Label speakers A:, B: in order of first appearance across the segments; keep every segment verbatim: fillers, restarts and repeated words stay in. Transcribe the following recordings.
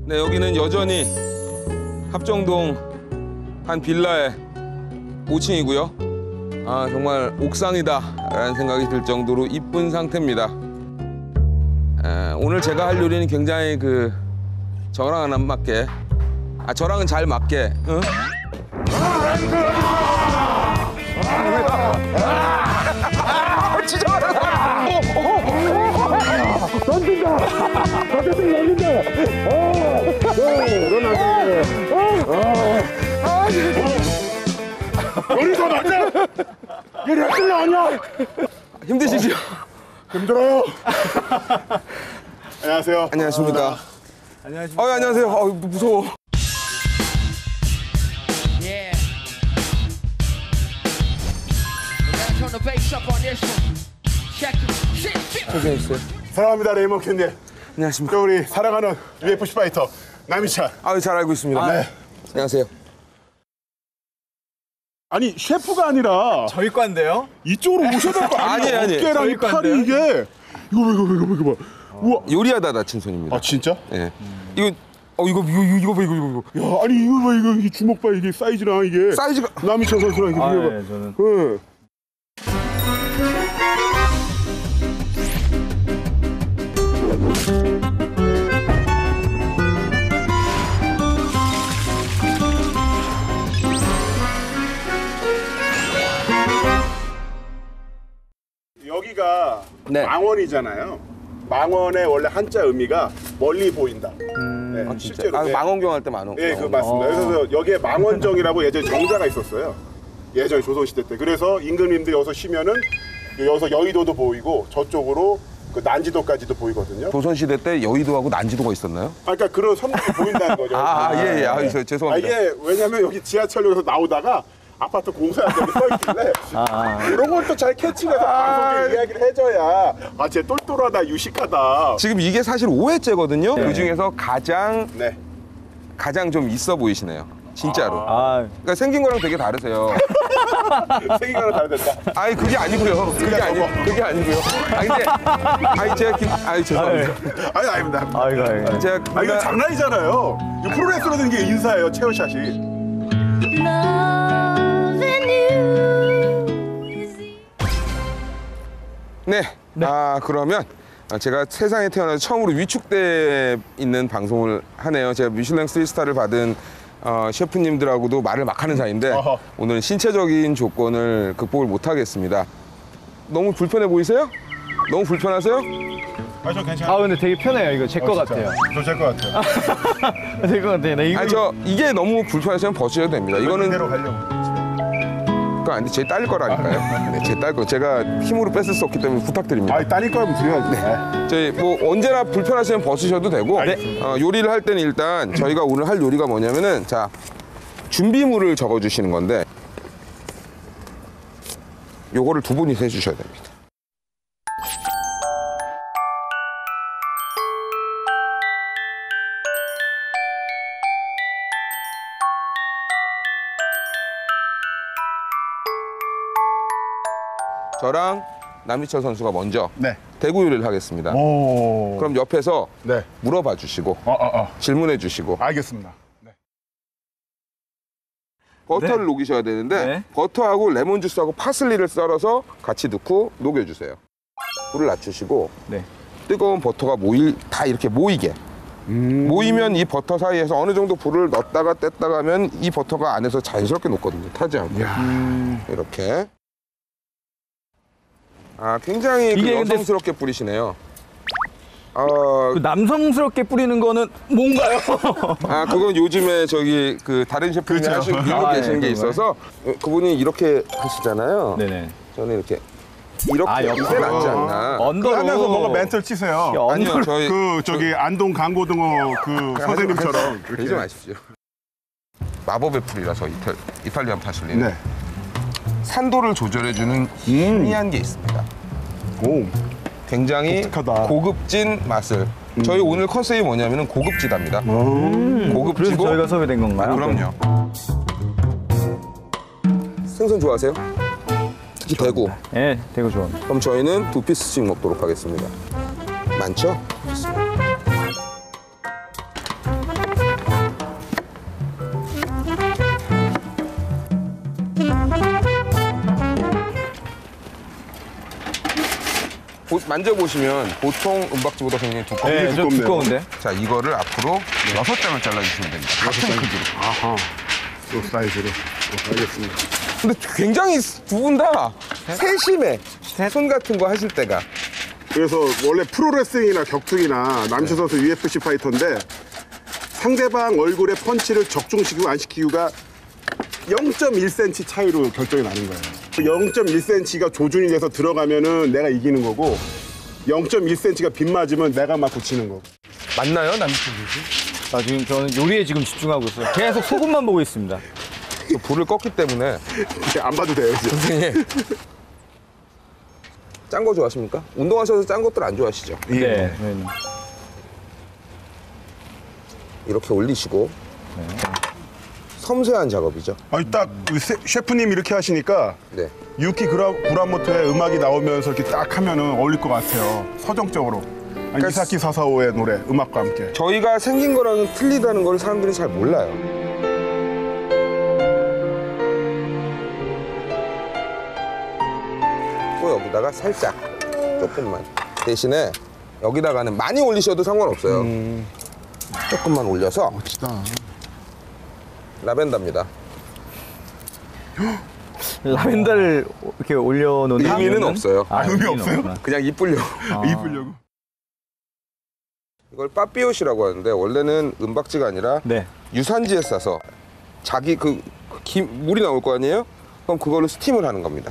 A: 네, 여기는 여전히 합정동 한 빌라의 오 층이고요. 아, 정말 옥상이다라는 생각이 들 정도로 이쁜 상태입니다. 에, 오늘 제가 할 요리는 굉장히 그 저랑은 안 맞게, 아 저랑은 잘 맞게. 응? 진짜 많아.
B: 던진다. 던진다. 던진다. 요리가 맞냐? 요리 할 줄 아냐?
A: 힘드시죠?
B: 힘들어요. 안녕하세요.
A: 안녕하십니까.
B: 안녕하십니까.
A: 어, 안녕하세요. 어, 무서워.
C: Yeah. We're gonna turn the bass up on this one. Check it. Shit, shit.
A: 고생했어요.
B: 사랑합니다, 레이먼 캔디.
A: 안녕하십니까.
B: 저 우리 사랑하는 유에프씨 파이터 남희찬.
A: 아, 잘 알고 있습니다.
B: 네.
A: 안녕하세요.
B: 아니 셰프가 아니라
D: 저희 과인데요?
B: 이쪽으로 오셔야 될 거 아니에요?
A: 아니, 아니.
B: 어깨랑 이
D: 저희
B: 팔이
D: 건데요?
B: 이게 이거 봐, 이거 봐, 이거 봐, 이거 봐. 우와.
A: 요리하다 다친 손입니다.
B: 아 진짜?
A: 예. 이거 어 이거 이거 이거 봐 이거 이거 이거.
B: 야 아니 이거 봐 이거 이게 주먹 봐 이게 사이즈랑 이게
A: 사이즈가
B: 남희찬 선수랑 이게
D: 아,
B: 비교가.
D: 네, 저는.
B: 네. 여기가
A: 네.
B: 망원이잖아요. 망원의 원래 한자 의미가 멀리 보인다. 네,
A: 아, 진짜.
B: 실제로.
A: 아,
B: 네.
A: 망원경 할 때 망원.
B: 예, 그 맞습니다. 그래서 여기에 망원정이라고 예전에 정자가 있었어요. 예전 조선시대 때. 그래서 임금님들이 여기서 쉬면은 여기서 여의도도 보이고 저쪽으로 그 난지도까지도 보이거든요.
A: 조선시대 때 여의도하고 난지도가 있었나요?
B: 아, 그러니까 그런 선물이 보인다는 거죠.
A: 아, 아, 예, 예. 아, 저,
B: 아,
A: 죄송합니다.
B: 이게 왜냐면 여기 지하철역에서 나오다가 아파트 공사한다고 써있길래 이런 걸 또 잘 캐치해서 방송에 이야기를 해줘야 아, 쟤 똘똘하다, 유식하다.
A: 지금 이게 사실 오 회째거든요. 그 중에서 가장
B: 네.
A: 가장 좀 있어 보이시네요. 진짜로.
D: 아,
A: 그러니까 생긴 거랑 되게 다르세요.
B: 생긴 거랑 다르다.
A: 아니 그게 아니고요. 그게 아니 그게 아니고요. 아니 근데 아니 제가 기, 아니 죄송합니다.
B: 아니, 아닙니다.
D: 아이고, 아이고.
A: 제가
B: 아, 이거
A: 그가-
B: 장난이잖아요. 이거 프로레슬러 된 게 인사예요, 체어샷이.
A: 네. 아 그러면 제가 세상에 태어나서 처음으로 위축돼 있는 방송을 하네요. 제가 미슐랭 쓰리스타를 받은 어, 셰프님들하고도 말을 막 하는 사이인데
B: 어허.
A: 오늘은 신체적인 조건을 극복을 못 하겠습니다. 너무 불편해 보이세요? 너무 불편하세요?
B: 아, 저 괜찮아요.
D: 아, 근데 되게 편해요. 이거 제 거 같아요.
B: 저제것 같아요.
D: 제 거 같아요. 나 이거.
A: 아니 저 이게 너무 불편하시면 벗으셔도 됩니다. 이거는
B: 그대로 가려고.
A: 그거 아닌데 제 딸 거라니까요. 네, 제 딸 거. 제가 힘으로 뺏을 수 없기 때문에 부탁드립니다.
B: 아, 따닐 거면 드려야지. 네.
A: 저희 뭐 언제나 불편하시면 벗으셔도 되고
B: 알겠습니다.
A: 어, 요리를 할 때는 일단 저희가 오늘 할 요리가 뭐냐면은 자 준비물을 적어주시는 건데 요거를 두 분이서 해주셔야 됩니다. 저랑 남희철 선수가 먼저
B: 네.
A: 대구 요리를 하겠습니다.
B: 오.
A: 그럼 옆에서
B: 네.
A: 물어봐 주시고
B: 어, 어, 어.
A: 질문해 주시고
B: 알겠습니다. 네.
A: 버터를
D: 네.
A: 녹이셔야 되는데
D: 네.
A: 버터하고 레몬 주스하고 파슬리를 썰어서 같이 넣고 녹여주세요. 불을 낮추시고
D: 네.
A: 뜨거운 버터가 모일 다 이렇게 모이게
B: 음.
A: 모이면 이 버터 사이에서 어느 정도 불을 넣었다가 뗐다가 하면 이 버터가 안에서 자연스럽게 녹거든요. 타지 않고 이렇게. 아 굉장히 그
D: 이게 근데-
A: 여성스럽게 뿌리시네요. 어,
D: 그 남성스럽게 뿌리는 거는 뭔가요?
A: 아 그건 요즘에 저기 그 다른 셰프님이
B: 그렇죠.
A: 하시고 밀고
D: 아,
A: 계시는
D: 네,
A: 게
D: 그런가요?
A: 있어서 그분이 이렇게 하시잖아요.
D: 네네.
A: 저는 이렇게 이렇게
D: 아,
A: 이게
D: 옆으로.
A: 낫지 않나.
D: 언더로.
B: 하면서 뭔가 멘트를 치세요.
D: 야,
A: 아니요
D: 언더로.
A: 저희
B: 그 저기 안동 강고등어 그 선생님처럼
A: 그러지 마십시오. 마법의 풀이라서 이탈, 이탈리안 파슬리는
B: 네.
A: 산도를 조절해주는 희미한 게 있습니다.
B: 오.
A: 굉장히
B: 독특하다.
A: 고급진 맛을. 저희 오늘 컨셉이 뭐냐면 고급지답니다.
B: 음.
D: 그래서
A: 고급지고.
D: 저희가 섭외된 건가요?
A: 아, 그럼요. 생선 좋아하세요? 특히 대구.
D: 네, 되게 좋아.
A: 그럼 저희는 두 피스씩 먹도록 하겠습니다. 많죠? 만져보시면 보통 은박지보다 굉장히 두꺼워요.
D: 네, 좀
B: 두껍네요.
D: 두꺼운데.
A: 자, 이거를 앞으로 여섯 장을 잘라주시면 됩니다. 같은 크기로.
B: 아하. 요 사이즈로. 어, 알겠습니다.
A: 근데 굉장히 두 분 다 세심해. 손 같은 거 하실 때가.
B: 그래서 원래 프로레슬링이나 격투기나 남시 선수 유에프씨 파이터인데 상대방 얼굴에 펀치를 적중시키고 안 시키고가 영 점 일 센티미터 차이로 결정이 나는 거예요. 그 영 점 일 센티미터가 조준이 돼서 들어가면은 내가 이기는 거고 영 점 일 센티미터가 빗맞으면 내가 맞고 지는 거고.
A: 맞나요, 남친 씨?
D: 아, 지금 저는 요리에 지금 집중하고 있어요. 계속 소금만 보고 있습니다.
A: 저 불을 껐기 때문에.
B: 안 봐도 돼요, 이제.
A: 선생님. 짠 거 좋아하십니까? 운동하셔서 짠 것들 안 좋아하시죠?
D: 네. 네.
A: 이렇게 올리시고. 섬세한 작업이죠.
B: 아니 딱 그 세- 셰프님 이렇게 하시니까
A: 네.
B: 유키 그라, 구라모토의 음악이 나오면서 이렇게 딱 하면은 어울릴 것 같아요. 서정적으로. 아니, 이사키 사사오의 노래, 음악과 함께.
A: 저희가 생긴 거랑은 틀리다는 걸 사람들이 잘 몰라요. 또 여기다가 살짝 조금만 대신에 여기다가는 많이 올리셔도 상관없어요. 조금만 올려서
B: 멋지다.
A: 라벤더입니다.
D: 라벤더를 이렇게 올려놓는
A: 의미는
D: 이유는?
A: 없어요.
D: 아,
B: 의미
D: 의미는
B: 없어요?
D: 없구나.
A: 그냥 이쁘려고.
B: 이쁘려고.
A: 이걸 빠삐옷이라고 하는데 원래는 은박지가 아니라
D: 네.
A: 유산지에 싸서 자기 그, 그 김, 물이 나올 거 아니에요? 그럼 그걸로 스팀을 하는 겁니다.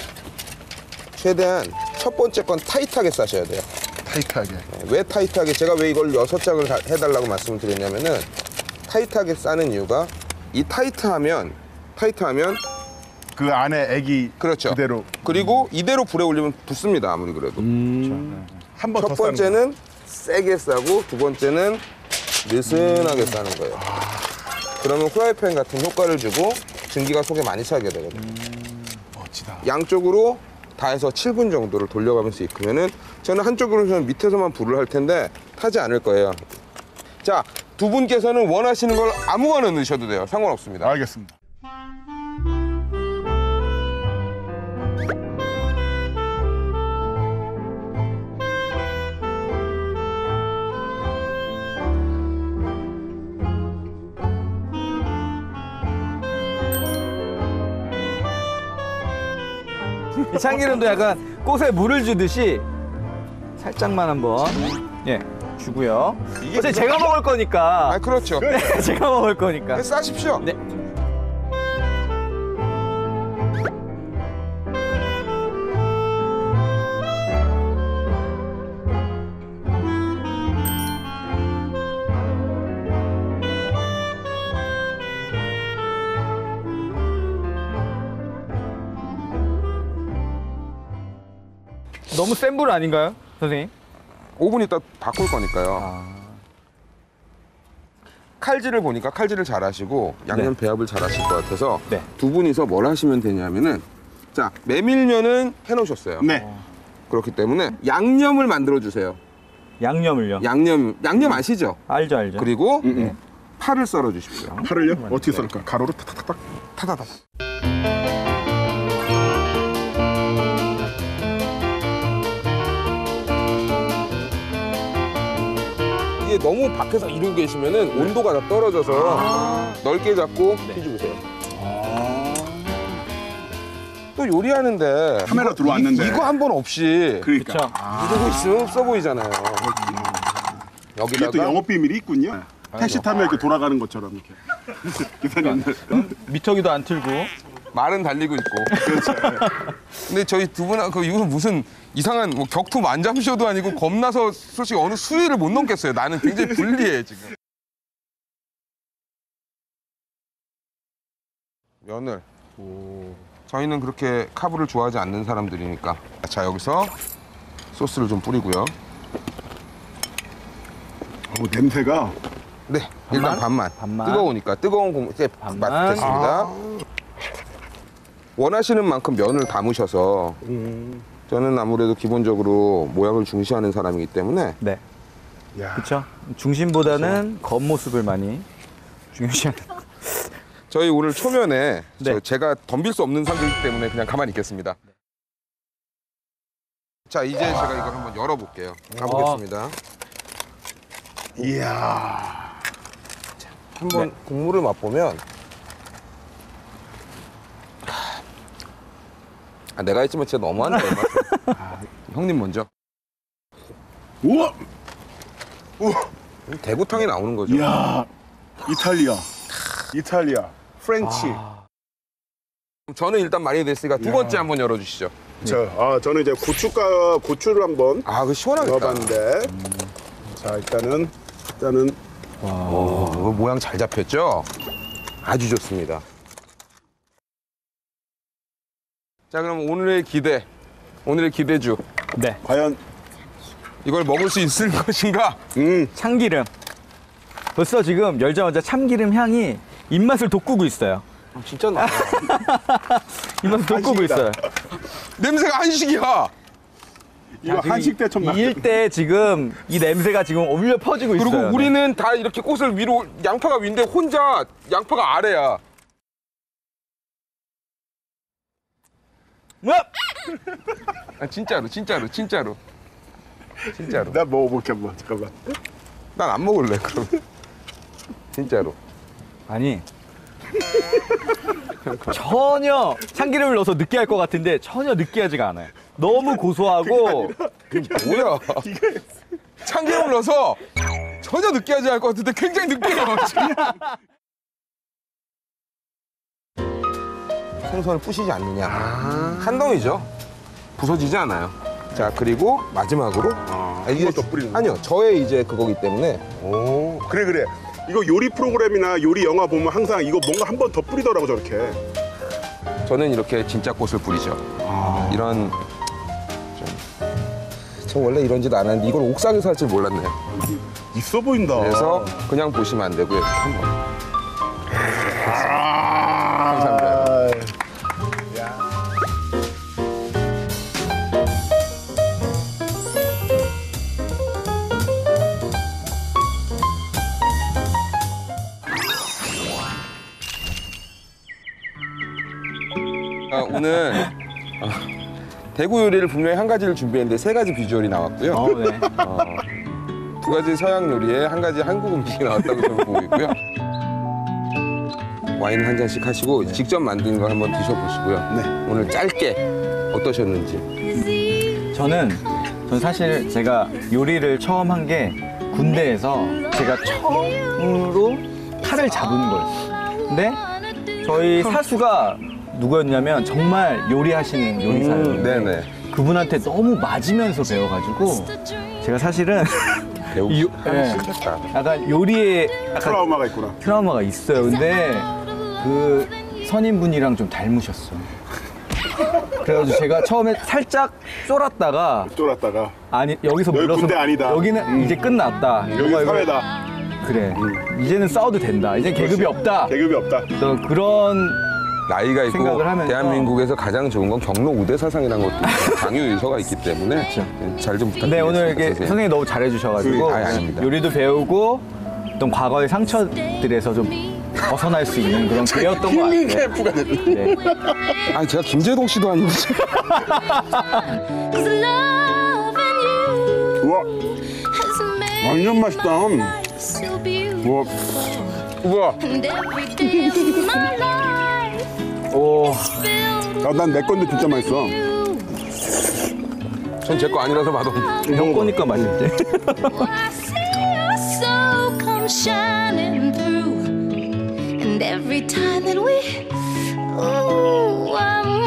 A: 최대한 첫 번째 건 타이트하게 싸셔야 돼요.
B: 타이트하게.
A: 왜 타이트하게? 제가 왜 이걸 여섯 장을 다- 해달라고 말씀을 드렸냐면은 타이트하게 싸는 이유가 이 타이트하면 타이트하면
B: 그 안에 애기
A: 그렇죠.
B: 그대로
A: 그리고 이대로 불에 올리면 붙습니다. 아무리 그래도.
B: 한 번 더
A: 첫 번째는 세게 싸고 두 번째는 느슨하게 싸는 거예요. 그러면 후라이팬 같은 효과를 주고 증기가 속에 많이 차게 되거든요.
B: 멋지다.
A: 양쪽으로 다 해서 칠 분 정도를 돌려가면서 익히면은 저는 한쪽으로는 밑에서만 불을 할 텐데 타지 않을 거예요. 자, 두 분께서는 원하시는 걸 아무거나 넣으셔도 돼요. 상관없습니다.
B: 알겠습니다.
D: 이 참기름도 약간 꽃에 물을 주듯이 살짝만 한번 예 주고요.
A: 이게
D: 어차피
A: 무슨-
D: 제가 먹을 거니까.
A: 아, 그렇죠.
D: 네, 제가 먹을 거니까.
A: 싸십시오.
D: 네. 너무 센 불 아닌가요, 선생님?
A: 오 분 있다 바꿀 거니까요.
D: 아.
A: 칼질을 보니까 칼질을 잘 하시고 양념 배합을 잘 하실 것 같아서
D: 네.
A: 두 분이서 뭘 하시면 되냐면은 자, 메밀면은 해놓으셨어요.
B: 네.
A: 그렇기 때문에 양념을 만들어 주세요.
D: 양념을요?
A: 양념 양념 아시죠?
D: 알죠, 알죠.
A: 그리고
B: 음.
A: 파를 썰어 주십시오.
B: 팔을요? 어떻게 썰까? 가로로 탁탁탁탁.
A: 타다다. 이게 너무 밖에서 이러고 계시면은 온도가 다 떨어져서 넓게 잡고 뒤집으세요. 또 요리하는데
B: 카메라
A: 이거-
B: 들어왔는데.
A: 이- 이거 한 번 없이
B: 그러니까.
D: 그쵸.
A: 이러고 있으면 없어 보이잖아요.
B: 이게 또
A: 여기다가
B: 영업 비밀이 있군요. 택시 타면 이렇게 돌아가는 것처럼 이렇게. 기사님들.
D: 미터기도 안 틀고.
A: 말은 달리고 있고. 근데 저희 두 분은 그 이거 무슨 이상한 뭐 격투 만장쇼도 아니고 겁나서 솔직히 어느 수위를 못 넘겠어요. 나는 굉장히 불리해 지금. 면을. 저희는 그렇게 카브를 좋아하지 않는 사람들이니까. 자, 여기서 소스를 좀 뿌리고요.
B: 어, 냄새가.
A: 네, 일단 반만.
D: 반만.
A: 뜨거우니까 뜨거운 공 이제
D: 반만.
A: 맛됐습니다. 원하시는 만큼 면을 담으셔서 저는 아무래도 기본적으로 모양을 중시하는 사람이기 때문에
D: 네.
B: 야.
D: 그렇죠. 중심보다는 겉모습을 많이 중요시하는.
A: 저희 오늘 초면에
D: 네.
A: 저 제가 덤빌 수 없는 상대이기 때문에 그냥 가만히 있겠습니다. 자, 이제 제가 이걸 한번 열어볼게요. 가보겠습니다.
B: 이야.
A: 한번 국물을 맛보면 아, 내가 했지만 진짜 너무한다. 이 맛은. 아, 형님 먼저.
B: 우와. 우와.
A: 대구탕이 나오는 거죠.
B: 이야. 이탈리아. 이탈리아. 프렌치.
A: 저는 일단 많이 됐으니까 두 번째 한번 열어주시죠.
B: 자, 아, 저는 이제 고춧가 고추를 한번
A: 아, 그 시원하겠다.
B: 넣어봤는데. 자, 일단은 일단은
A: 오, 이거 모양 잘 잡혔죠? 아주 좋습니다. 자, 그럼 오늘의 기대, 오늘의 기대주.
D: 네.
B: 과연
A: 이걸 먹을 수 있을 것인가?
B: 음.
D: 참기름. 벌써 지금 열자마자 참기름 향이 입맛을 돋구고 있어요.
A: 진짜 나.
D: 입맛을 돋구고
B: 한식이다.
D: 있어요.
A: 냄새가 한식이야.
B: 이거 한식 때 좀
D: 이일 때 지금 이 냄새가 지금 올려 퍼지고 있어요.
A: 그리고 우리는 다 이렇게 꽃을 위로, 양파가 위인데 혼자 양파가 아래야.
D: 네.
A: 아, 진짜로, 진짜로, 진짜로. 진짜로.
B: 나 먹어볼게 한번. 잠깐만.
A: 난 안 먹을래, 그럼. 진짜로.
D: 아니 전혀 참기름을 넣어서 느끼할 것 같은데 전혀 느끼하지가 않아요. 너무 고소하고
A: 뭐야. 참기름을 넣어서 전혀 느끼하지 않을 것 같은데 굉장히 느끼해요. 생선을 부시지 않느냐. 한 덩이죠. 부서지지 않아요. 자, 그리고 마지막으로.
B: 아,
A: 이게
B: 이것도 뿌리는 거.
A: 아니요, 저의 이제 그거기 때문에.
B: 오, 그래 그래. 이거 요리 프로그램이나 요리 영화 보면 항상 이거 뭔가 한 번 더 뿌리더라고 저렇게.
A: 저는 이렇게 진짜 꽃을 뿌리죠.
B: 아.
A: 이런 좀. 저 원래 이런지도 않았는데 이걸 옥상에서 할 줄 몰랐네요.
B: 있어 보인다.
A: 그래서 그냥 보시면 안 되고요. 한번.
B: 아,
A: 감사합니다. 아, 오늘 어, 대구 요리를 분명히 한 가지를 준비했는데 세 가지 비주얼이 나왔고요.
D: 어, 네.
A: 어, 두 가지 서양 요리에 한 가지 한국 음식이 나왔다고 저는 보고 있고요. 와인 한 잔씩 하시고 직접 만든 걸 한번 드셔보시고요.
B: 네.
A: 오늘 짧게 어떠셨는지.
D: 저는 전 사실 제가 요리를 처음 한 게 군대에서 제가 처음으로 칼을 잡은 거였어요. 근데 저희 사수가 누구였냐면 정말 요리하시는 요리사예요.
A: 음, 네네.
D: 그분한테 너무 맞으면서 배워가지고 제가 사실은
A: 배우기
D: 이-
A: 하기
D: 네.
A: 싫겠다.
D: 약간 요리에 약간
B: 트라우마가 있구나.
D: 트라우마가 있어요. 근데 그 선임분이랑 좀 닮으셨어. 그래가지고 제가 처음에 살짝 쫄았다가
B: 쫄았다가
D: 아니 여기서
B: 여기
D: 물러서
B: 군대 아니다.
D: 여기는 이제 끝났다.
B: 여기
D: 이거, 이거
B: 사회다.
D: 그래. 이제는 싸워도 된다. 이제 계급이 없다.
B: 계급이 없다.
D: 또 그런
A: 나이가 있고
D: 생각을 하면서.
A: 대한민국에서 가장 좋은 건 경로 우대 사상이라는 것도 있고 장유 유서가 있기 때문에 잘 좀 부탁드립니다.
D: 근데 오늘 이렇게
A: 선생님.
D: 선생님이 너무 잘해주셔가지고
A: 그, 아니, 아닙니다.
D: 요리도 배우고 어떤 과거의 상처들에서 좀 벗어날 수 있는 그런 기회였던 것
B: 힐링
D: 같아요.
B: 캠프가 됐네.
D: 네.
A: 아니 제가 김재동 씨도 아니고 지금.
E: Cause loving you
B: 우와,
E: has made
B: 완전 맛있다.
E: my life so beautiful.
B: 우와,
A: 우와.
E: And every day of my life
D: 오,
E: filled
B: 아, 난 내 건데 진짜 맛있어.
E: with you.
A: 전 제 거 아니라서 맛없는.
D: 형 거니까 맛있지.
E: I see your soul come shining through. And every time that we, ooh, I'm